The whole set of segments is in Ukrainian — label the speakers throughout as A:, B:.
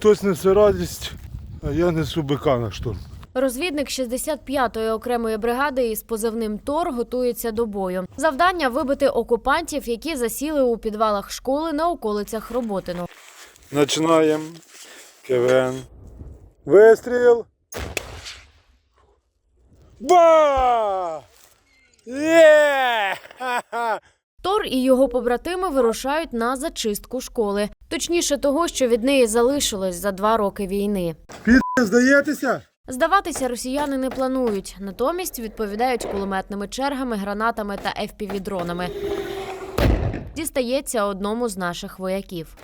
A: Хтось несе радість, а я несу бика на штурм.
B: Розвідник 65-ї окремої бригади із позивним «Тор» готується до бою. Завдання – вибити окупантів, які засіли у підвалах школи на околицях Роботино.
A: Починаємо. КВН. Вистріл. Ба! Є! Ха-ха!
B: Тор і його побратими вирушають на зачистку школи. Точніше того, що від неї залишилось за 2 роки війни.
A: Здаєтеся?
B: Здаватися росіяни не планують. Натомість відповідають кулеметними чергами, гранатами та FPV-дронами. Дістається одному з наших вояків.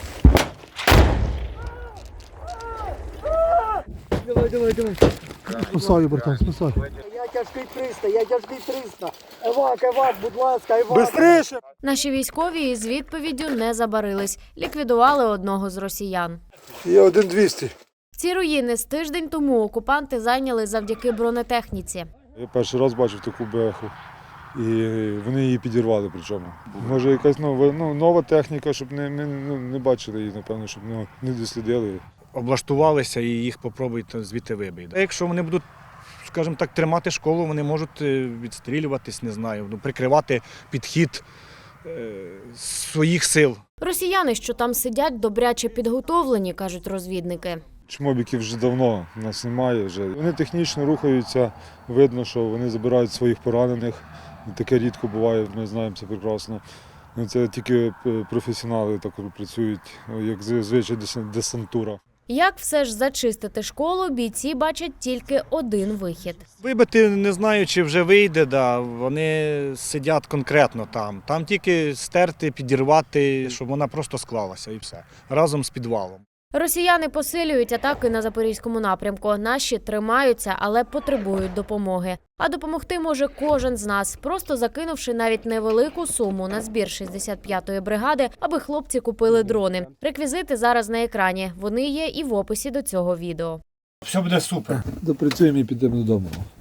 A: Давай. Спасаю, братан, спасаю.
C: Я тяжкий 300. Евак, будь ласка, евак.
A: Бистріше!
B: Наші військові із відповіддю не забарились. Ліквідували одного з росіян.
A: Є 1-200.
B: Ці руїни з тиждень тому окупанти зайняли завдяки бронетехніці.
A: Я перший раз бачив таку беху. І вони її підірвали причому. Може якась нова техніка, щоб не бачили її, напевно, щоб не дослідили.
D: Облаштувалися і їх попробують звідти вибити. Якщо вони будуть, скажімо так, тримати школу, вони можуть відстрілюватись, не знаю, прикривати підхід своїх сил.
B: Росіяни, що там сидять, добряче підготовлені, кажуть розвідники.
A: Чмобіків вже давно в нас немає. Вони технічно рухаються, видно, що вони забирають своїх поранених. Таке рідко буває, ми знаємо це прекрасно. Це тільки професіонали так працюють, як зазвичай десантура.
B: Як все ж зачистити школу, бійці бачать тільки один вихід.
D: Вибити не знаю, чи вже вийде, вони сидять конкретно там. Там тільки стерти, підірвати, щоб вона просто склалася і все, разом з підвалом.
B: Росіяни посилюють атаки на Запорізькому напрямку. Наші тримаються, але потребують допомоги. А допомогти може кожен з нас, просто закинувши навіть невелику суму на збір 65-ї бригади, аби хлопці купили дрони. Реквізити зараз на екрані. Вони є і в описі до цього відео.
D: Все буде супер.
A: Допрацюємо і підемо додому.